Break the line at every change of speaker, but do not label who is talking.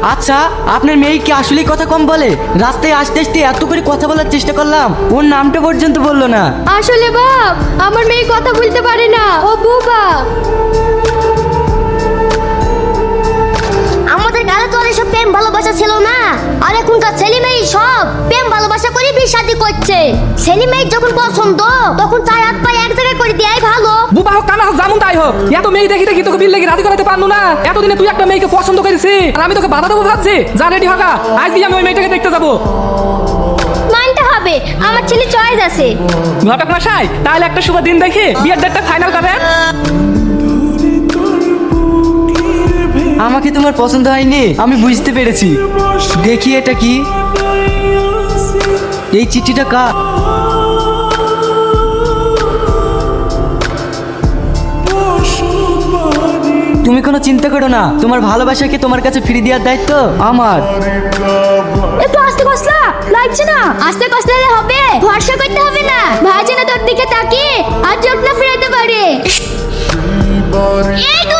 আচ্ছা, আপনার মেয়ে কি আসলেই কথা কম বলে? রাস্তায় আসতে আসতে এত করে কথা বলার চেষ্টা করলাম, ওর নামটা পর্যন্ত বললো না।
আসলে বাপ, আমার মেয়ে কথা বলতে পারে না, ও বোবা।
আমাদের কালে তো এসব প্রেম ভালোবাসা ছিল না, আর এখনকার ছেলে মেয়ে সব প্রেম ভালোবাসা করে বিয়ে শাদী করছে। ছেলে মেয়ের যখন পছন্দ তখন চার হাত পায়ে এক জায়গায় করে দেয়াই ভালো।
বুবা হোক কানা হোক যেমন তাই হোক, এত মেয়ে দেখি দেখি তোকে বিল লেগে রাজি করাতে পারলো না। এতদিনে তুই একটা মেয়েকে পছন্দ করেছিস আর আমি তোকে বাধা দেবো ভাবছি? যা রেডি হোক, আজকে আমি ওই মেয়েটাকে দেখতে যাবো।
মানতে হবে, আমার ছেলে চয়েস আছে।
ঘটক মশাই, তাহলে একটা শুভ দিন দেখে বিয়ের ডেটটা ফাইনাল করেন।
আমাকে তোমার পছন্দ হয়নি, আমি বুঝতে পেরেছি। দেখি এটা কি, এই চিঠিটা কার? তুমি কোনো চিন্তা করো না, তোমার ভালোবাসাকে তোমার কাছে ফিরিয়ে দেওয়ার দায়িত্ব আমার।
একটু আস্তে কসলা, লাগছে না?
আস্তে কষ্টে হবে, ভরসা করতে হবে না। ভাই যেন তোর দিকে তাকিয়ে আর চোখ না ফিরাতে পারে। এই তো